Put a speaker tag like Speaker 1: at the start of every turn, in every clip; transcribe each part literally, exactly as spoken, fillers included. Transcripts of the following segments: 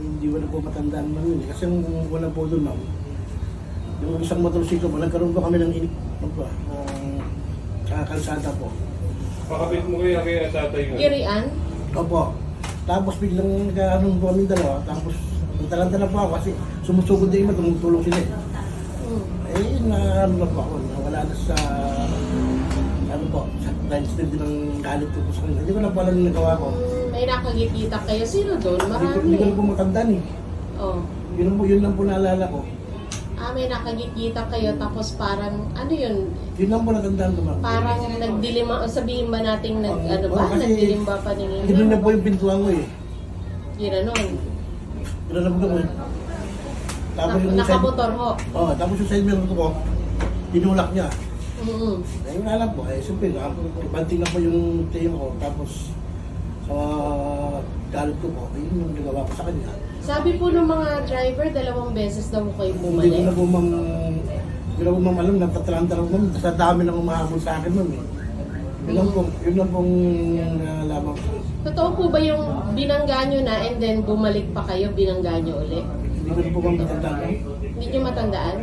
Speaker 1: hindi ko na po matandaan man yun. eh. Kasi yung wala po doon, ma'am. Yung isang motorsiklo po, nagkaroon po kami ng inip, ano po, ng kalsada po.
Speaker 2: Pakapit mo kaya kaya tatay nga.
Speaker 3: Irian?
Speaker 1: Opo. Tapos biglang nagkaroon po kami dalawa, tapos nagtalanta po ako kasi sumusugod na iba, tumutulong sila eh.
Speaker 3: Hmm.
Speaker 1: Eh, na ano na po ako, nawala na sa, ano po, sa dahil sila din ang galit ko po sa kanila. Hindi ko na po alam yung nagawa ko.
Speaker 3: Hmm, may nakagikita kayo. Sino doon?
Speaker 1: Hindi ko,
Speaker 3: Marami.
Speaker 1: hindi ko na po matandaan eh.
Speaker 3: Oh.
Speaker 1: Yun, po, yun lang po naalala ko.
Speaker 3: Ah, may nakagikita kayo tapos parang, ano yun?
Speaker 1: Yun lang po natandaan ko, ma'am.
Speaker 3: Parang nagdilim, sabihin ba nating nag,
Speaker 1: Oo,
Speaker 3: ano
Speaker 1: oo,
Speaker 3: ba?
Speaker 1: kasi
Speaker 3: Nagdilim ba paningin?
Speaker 1: Gano'n na po yung pintuan ko eh.
Speaker 3: Ginanon.
Speaker 1: Gano'n na po ko eh. Tapos
Speaker 3: Nak-
Speaker 1: yung side,
Speaker 3: Nakamotor ho.
Speaker 1: oh, tapos yung side mirror ko, tinulak niya.
Speaker 3: Mm-hmm.
Speaker 1: Eh, yung alam ko, eh, siyempre, banting na po yung tayo ko. Tapos, sa galit ko po, yun yung nagawa ko sa kanya.
Speaker 3: Sabi po ng mga driver, dalawang beses daw kayo
Speaker 1: Hindi ko
Speaker 3: bumalik.
Speaker 1: na po mang, hindi na po mang alam, nagtatranta lang po, sa dami nang umahabol sa akin, ma'am eh. Yun lang po, yun lang pong nalaman ko.
Speaker 3: Totoo po ba yung binangga nyo na and then bumalik pa kayo, binangga nyo ulit?
Speaker 1: Hindi ko na po bang matandaan.
Speaker 3: Hindi nyo matandaan?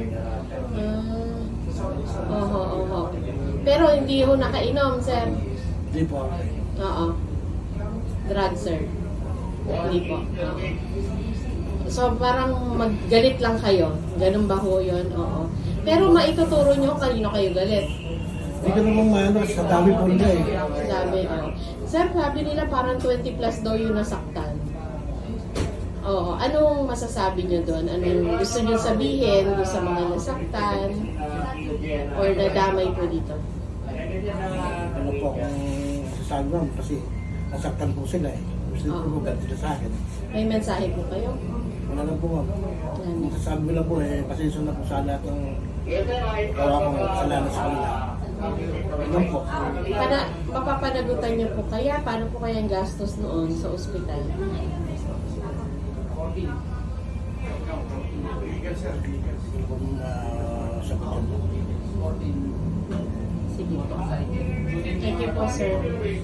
Speaker 3: Ah, oho, oho. Pero hindi ho nakainom, sir.
Speaker 1: Hindi po.
Speaker 3: Oo. Drug, sir. Hindi po. Oo. So, parang maggalit lang kayo. Ganun ba ho yun? Oo. Pero maituturo nyo kanino kayo galit.
Speaker 1: Hindi ko na pong maano, sa dami po nila eh.
Speaker 3: Sabi, oh. Sir, sabi nila parang twenty plus daw yung nasaktan. Oo. Anong masasabi nyo doon? Anong gusto nyo sabihin doon sa mga nasaktan? Or nadamay po dito?
Speaker 1: Ano po kung masasabi ma'am, kasi nasaktan po sila eh. Gusto
Speaker 3: Oo.
Speaker 1: ko po ganito sa akin.
Speaker 3: May mensahe po kayo?
Speaker 1: Wala lang po ma'am. Ang masasabi ko lang po eh, pasensya na po sa lahat ng gawa kong kasalanan sa kanila. Yun po.
Speaker 3: Para mapapanagutan niyo po kaya, paano po kaya ang gastos noon sa ospital?
Speaker 1: Kung uh, sagot yun.
Speaker 3: Sige po. Thank you po, sir.